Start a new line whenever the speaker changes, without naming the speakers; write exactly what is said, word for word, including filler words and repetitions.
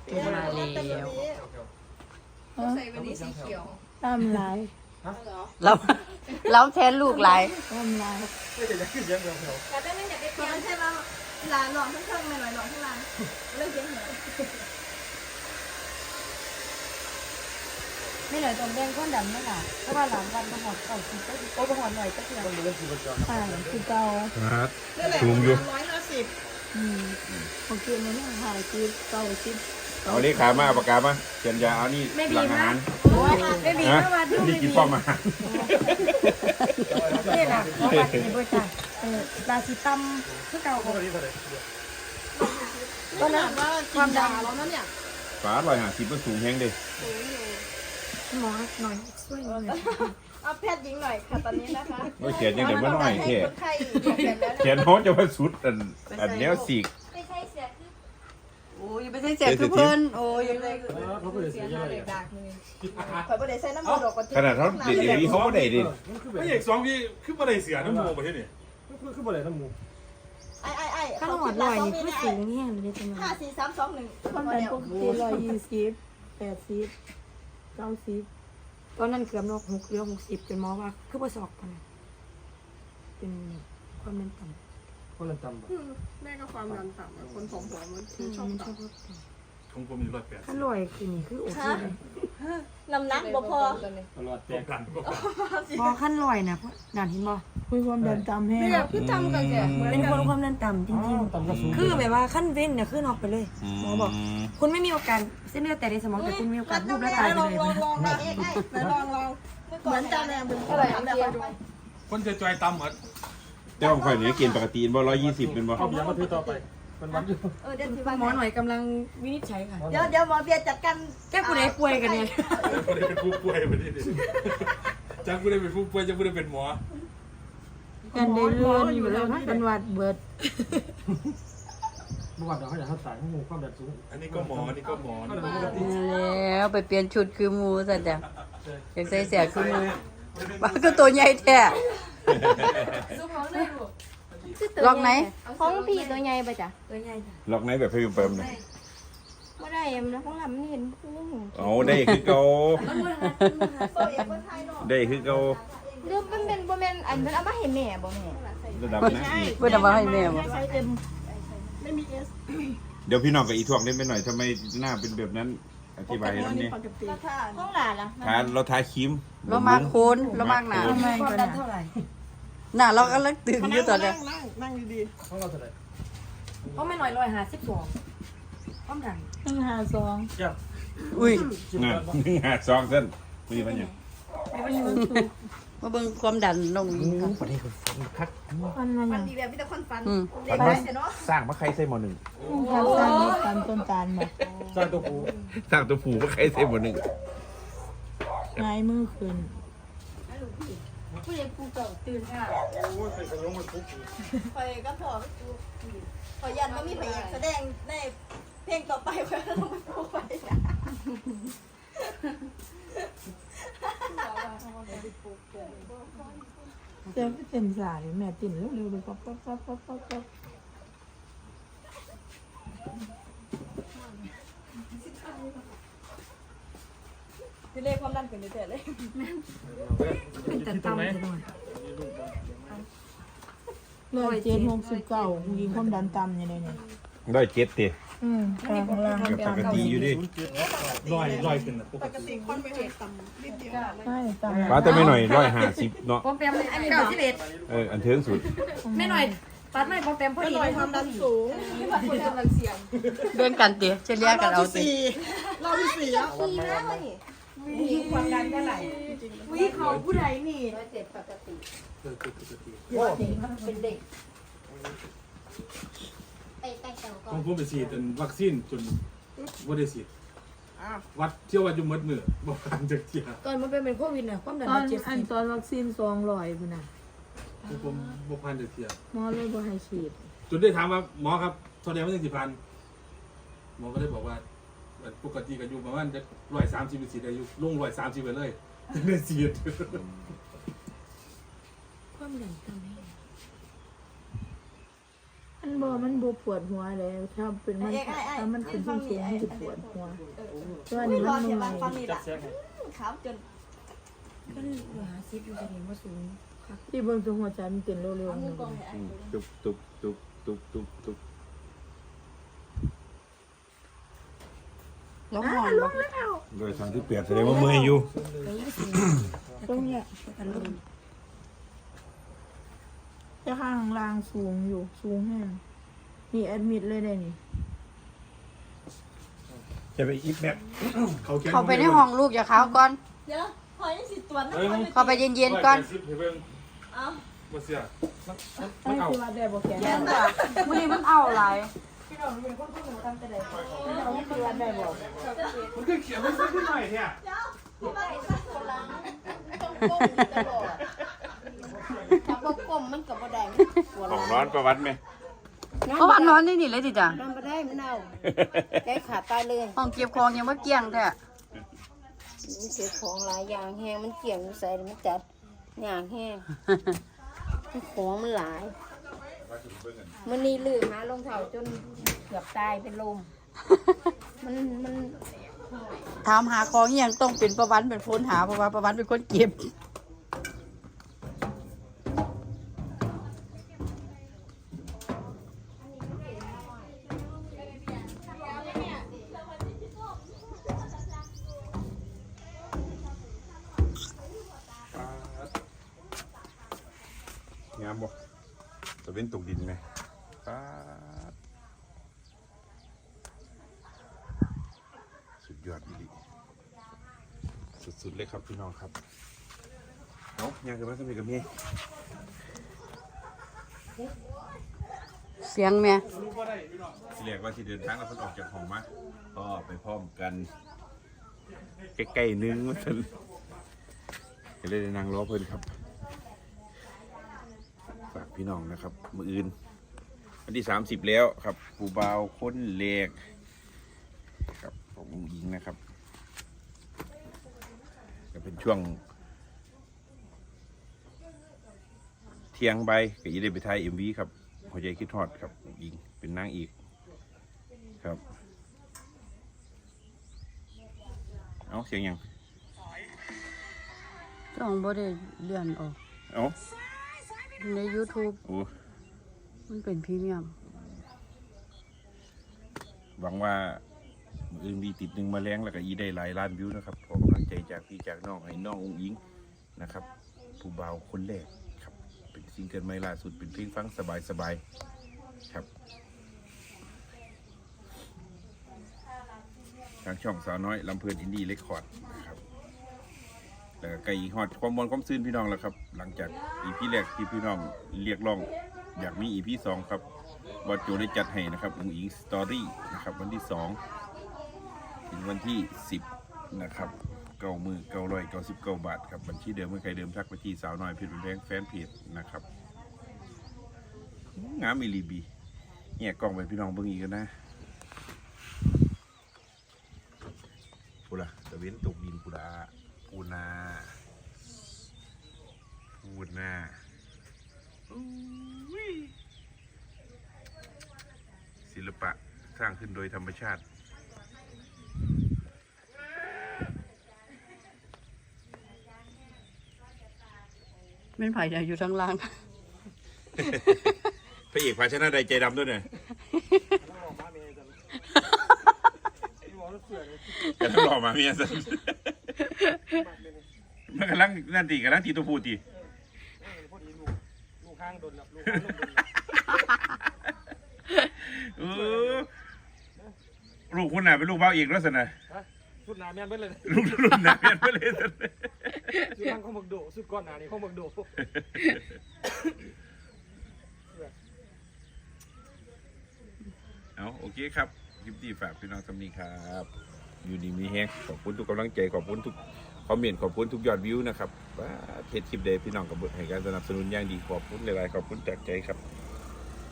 มาแล้ว
ใส่วันนี้สีเขียว
ตามลาย
เราเราแทนลูกหลาย
ตามลาย
ไม่ได้จะขึ้นเยอะเดียว
แต่ได้ไม่อยากได้เพียงใช่ไหมหลานหลอนทั้งเครื่องหน่อยหลอนทั้งหลานเรื่องเสียงเหรอ
ไม่หน่อยตรงแดงก้นดำนั่นแหละเพราะว่าหลานวันประหอดเก่าคือก็โอ้ประหอดหน่อยก็คือ
ต้องมีเรื่องคือประจร
อ่าคือเก่า
ครับ
สูงอยู่ร้อยห้าสิบ
อืมโอเคมันน่าหายคือเก่าสิบ
เอานี่ขามาปากกามาเขียนยาเอานี่หลังอาหาร
ไม่มี
นะ
เมื่อวานดู
นี่
ไม่
กิน
มี
ป้อมอาหาร
นี่แหละเพราะว่าในบริษัทเออลาซิตัมคือเก่า
พวกนี้เท่าไหร่
ตอนนั้น
ว่าความดังแล้วนั่นเนี่ย
ฝาลอยหาสิบมันสูงแห้งเด้
หมอหน่อยช่วยหน่อย
เอาแพทย์หญิงหน่อยค่ะตอนนี้นะคะ
โอ้ยเขียนยังเดี๋ยวมาหน่อยแค่
คนไข้เขียนแล้ว
เขียนเขาจะมาสุดอันอันแนวสีก
ไม่ใช่เสียคือ
โอ้ยไม่ใช่เสียคือเพิ่นโอ้ย
ยังเลย
เขาเป็น
เสี
เสี
ย
ย
หน้า
อะไร
เด็กดักเลยคอยประเดี๋ยวใส่น้ำมันดอกกระ
ขนาดเขาเดี๋ยวนี้เขาก็ได้ดิ
ไม่อยากสองพี่ขึ้นมาได้เสียน้ำมูประเทศนี่ขึ้นขึ้นมาได้น้ำมู
ไอ้ไอ้ไอ้
ข้างหอดหน่อยนี่คือสูงแห้งเลยจัง
ห้าสี่สามสองหนึ่ง
ความดันปกติร้อยยี่สิบแปดสิบเก้าสิบ
ตอนนั้นเกือบนกหกเรือหกสิบเป็นหมอว่าคือประสอบกันเป็นความดันต่ำ
คนละจำบ่
แม่ก็ความดันต่ำคนผอมๆมัน
อืม
ชอบ
มันช
ต่
อบรถต่
ของผมมีร้อยแปด
ำถ้าลอยคือนี่คือโอเคเลย
ำน้ำหนักบ่พอ
ร้อยแปดกันก็
บอขั้นลอยนะเพราะด่านเห็นบอ
คุยความดันตามแห้ง
เนี่ยคือจำกันแกเหมือน
เป็น
กั
คน นความดันต่ำจริง
ต่ำกระสูง
ๆ คือแบบว่าขั้นเว้นเนี่ยขึ้นออกไปเลยหมอบอก คุณไม่มีโอกาสเส้นเลือดแต่ในสมองแต่คุณมีโอกาสรูปและตายไป
ลอง
เลย
ลองลองลองเอ้ไอ้ลองลองเหมือนจำแรงมึงเท่าไหร่ทำแบบดู
คนจะจอยต่ำหมด
เจ้าของข่อยนี่กินปกติบ่ร้อยยี่สิบเป็นบ่
เอาอย่างมาถือต่อไปมันวัดอยู่
เออเดี๋ยวที่
หมอหน่อยกำลังวินิจฉัยค่ะ
เดี๋ยวเดี๋ยวหมอเบียร์จัดการ
แก้กูได้ป่วยกันเนี่ย
คนได้เป็นผู้ป่วยประเทศนี่จังกูได้เป็นผู้ป่วยจังกูได้เป็นหมอ
กันได้เลื่อนอยู่แล้วเป็นวัดเบิด
เมื่อวานเราเขาอยากให้สายข้อมูลความดันสูงอันนี้ก็หมออันนี้ก็หมอ
แล้วไปเปลี่ยนชุดคือหมูซะจ้ะอยากใส่เสียคือหมูบ้าก็ตัวใหญ่แท้ล็อกไหน
ของพี่ตัวใหญ่ปะจ๊ะ
ตัวใหญ่จ้ะ
ล็อกไหนแบบให้เปิมเลย
ไม่ได้เอ็มนะของลำไม่เห็นพุ่ง
เอาได้คือเก่า
โซเอ็มคนไทยเนาะ
ได้คือเก่า
หรือมันเป็นบ่แม่นอันเพิ่นเอามาให้แม่บ่แม่
ระดับนั้นอีก
เพิ่นเอามาให้แม่บ่
ใช้เอ็มไม่มีเอส
เดี๋ยวพี่น้องกับอีทวงได้ไปหน่อยทำไมหน้าเป็นแบบนั้นอธิบายให้น้ำนี่
ของหลานล่ะ
ทานเราทาครีม
เรามาโคนเรามากหนา
ทำไม
ความ
กัน
ดัน
นะ
เท่าไหร่
หน้าเราก็ลักตึงอยู่ตอนเนี้ย
นั่งนั่งดี
ของเราเท่าไหร่
เพราะไม่หน่อยลอยหาสิบสองความดัน
หนึ่งห้าสอง
แก้ว
อุ้ย
น่ะหนึ่งหาสองเส้นมีปัญญา
มาเบิ่งความดันลงนี่ครับ
ประเทศคนคัก
มันมา
ๆ
อ
มั
ย่าน ง
ดีแบบพี่ตะคอนฟัน
อืม
เด็กได้เนาะ
สร้างมะไข่ใส่หมอหนึ่ง
ทางสร้างนี้ตามต้นตาลมา
สร้างตัวกู
สร้างตัวผูมะไข่ใส่หมอหนึ่ง
ง่ายมือขึ้น
ผู้ใหญ่ปูเก่าตื่นค่ะ
โอ้ยไปขยงมันปุ๊บ
คอยก็พอขอยันว่ามีพยานแสดงในเพลงต่อไปคอยต้องไปพูดไป
เจ้าเต็มสายแม่ติ่นเร็วๆเลยป๊อปป๊อปป๊อปป๊อปป๊อปป๊อป
ที่เลขความดันเป็นเรื่อยๆเลย
เป็นแต่ต่ำจะหน่อย
ร้อยเจ็ดหกสิบเก้ายิงความดันต่ำอย่างไรเนี่ย
ได้เจ็ดตี
อืมกลางล่าง
กับปกติอยู่ดิ
ลอยลอยขึ้นนะป
ป
ก
ก
ติ
ติคนไม่เคยต่ำนิดเดียว
ใช่ต่ำ
ฟ้าแต่ไม่หน่อยร้อยห้าสิบเนาะ
ปอมแปมเก้าสิบเอ็ด
เอออันเทิงสุด
ไม่หน่อยปัดไม่ปอมแปมพอดี
หน่อยความดันสูงคนกำลังเสี่ยง
เบิ่งกันติเฉลี่ยกันเอาติ
เราที่สี่แล้ว
ดีแล้วนี่
มีความดันเท่าไหร่
วิเขาผู้ใดนี่
เออปกติ
เป็นเด็กไปแต่งตัวก่อ
ขอ
น
งผมไปฉีดเป็นวัคซีนจนว่าได้ฉีดวัดเที่ยววัดอยู่มืดมือบอกการจากเที่ย
ตอนมันเป็นโควิดน่ะความดัน
ตอน
เจ็ด
อัน
สิบ
ตอนวัคซีนสองร้อยพุ่นน่ะ
ผมบอกพันจากเที่ย
หมอเลยบ่ให้ฉีด
จนได้ถามว่าหมอครับเท่าไหร่ไม่ถึงสิบพันหมอก็ได้บอกว่าปกติก็อยู่ประมาณจะร้อยสามสิบสี่อายุลงร้อยสามสิบไปเลยได้ฉีด
ความดันต่ำให้
มันบ่มันบ่ปวดหัวเลยถ้าเป็นมันถ้ามันเป็นสูงสูงมันจะปวดหัวตัวนี้มัน
เสีย
ให
บา
ม่
งฟังนี่แหละขาวจน
ก็เลยเหลือหาซิปอยู่จะเห็นว่าสูงครับ
ที่เบิ่งตัวหัวใจมันเต้นเร็ว
เอา
ๆ
มื
นึ
อง กองเลย
อืมตุบตุบตุบตุบตุบตุบ
แล้วห่อนบ่
โดยทางที่เปรียบแสดงว่าเมื่อยอยู่
ตรงเนี้ยจะข้างล่างสูงอยู่สูงแห้งนี่แอดมิดเลยได้นี่
จะไปอีกแบบ
เขาแก้
เข้าไปในห้องลูกอย่าเข้าก่อน
เดี๋ยวพอยังสิตรวจนะ
เข้าไปเย็นๆก่อน
เอา
บ่เสียมัน
ไอ้ที่ว่าได้บ่แข็ง
เย็น
จ้ะ
จ้ะ
มื้อนี้มันเอาหลาย
พี่น้องเป็นคนที่หนูทำแต่ใดพี่น้องที่ว่าได้บ่
มันคือเขียนมันขึ้นหน่อยแท้
เจ้าที่บ้านใส่โซลังต้องก้มตลอดถ้าบ่ก้มมันก็บ่ได้ปวด
ของ
หลัง
ร้อนประวัติไหม
เพราะว่านอนนี่นี่เลยติจ้ะ
นอนบ่ได้มันเอาแก้ขาตายเลย
ห้องเก็บของยังบ่เกลี้ยงแท้
มันเก็บของหลายอย่างแห้งมันเกี่ยงใส่มันจัดอย่างแห้งของมันหลายมันนี่ลืมหารองเท้าจนเกือบตายเป็นลมมันมัน
ถามหาของอหยังต้องเป็นประวันเป็นคนหาเพราะว่าประวันเป็นคนเก็บ
งามบ่ตะเว้นตกดินไหมป๊าดสุดยอดอีหลีสุดๆเลยครับพี่น้องครับเอ้ายังจะมาสมัยกับเมีย
เสียงแม่
ที่แรกว่าที่เดินทางแล้วเพิ่นออกจากห้องมาก็ไปพร้อมกันใกล้ๆนึงว่าซั่นก็เลยได้นั่งรอเพิ่นครับฝากพี่น้องนะครับมื้ออื่นวันที่สามสิบแล้วครับผู้บ่าวคนแรกครับของผู้หญิงนะครับก็เป็นช่วงเที่ยงใบก็จะได้ไปถ่าย เอ็ม วี ครับหัวใจคิดฮอดครับผู้หญิงเป็นนางอีกครับเอาเสียงยัง
จ้องบ่ได้เลื่อนออก
เอา
ใน YouTube
โอ้
มันเป็นพรีเมียม
หวังว่ามืออื่นมีติดหนึ่งมาแรงแล้วก็อีได้หลายล้านวิวนะครับขอกำลังใจจากพี่จากน้องให้น้องอุ้งอิงนะครับ ผู้บ่าวคนแรกครับเป็นซิงเกิลใหม่ล่าสุดเป็นเพลงฟังสบายๆครับทางช่องสาวน้อยลำเพลินอินดี้เรคคอร์ดนะครับแล้วก็ไก่ฮอดความมวลความซื่นพี่น้องแล้วครับหลังจากอีพีแรกที่พี่น้องเรียกร้องอยากมีอีพีสองครับบอสโจได้จัดให้นะครับอุ้งอิงสตอรี่นะครับวันที่สองถึงวันที่สิบนะครับเก้ามือเก้าร้อยเก้าสิบเก้าบาทครับบัญชีเดิมเมื่อใครเดิมทักไปที่สาวน้อยเพจแดงแฟนเพจนะครับงามอีลีบีเนี่ยกล้องไปพี่น้องเบิ่งอีกกันนะปูละตะเว้นตกดินปูละปูนาปูนาอู้ยศิลปะสร้างขึ้นโดยธรรมชาติ
เป็นไผจะอยู่ทางล่าง
พระเอกภาชนะใดใจดำด้วยเนี่ยกำลังหล่อมาเมียสันมันกำลังนั่นตีกำลังตีตัวพูตีลูกข้างโดนลูกข้างโดนเออลูกคุณน่ะเป็นลูกเบ้าเอกแล้วสินะ
สุดหนาแม่นเบิ่เลย
ลูกรุ่นน่ะเป็นไปเลยสิ
สุดทางข้อมึกโดสุดก้อนหนานี่ข้อมึกโด
เอาโอเคครับคลิปที่ฝากพี่น้องสำนีครับอยู่ดีมีแฮงขอบคุณทุกกำลังใจขอบคุณทุกคอมเมนต์ขอบคุณทุกยอดวิวนะครับว่าเพจคลิปเดย์พี่น้องกับให้การสนับสนุนอย่างดีขอบคุณหลายๆขอบคุณจากใจครับ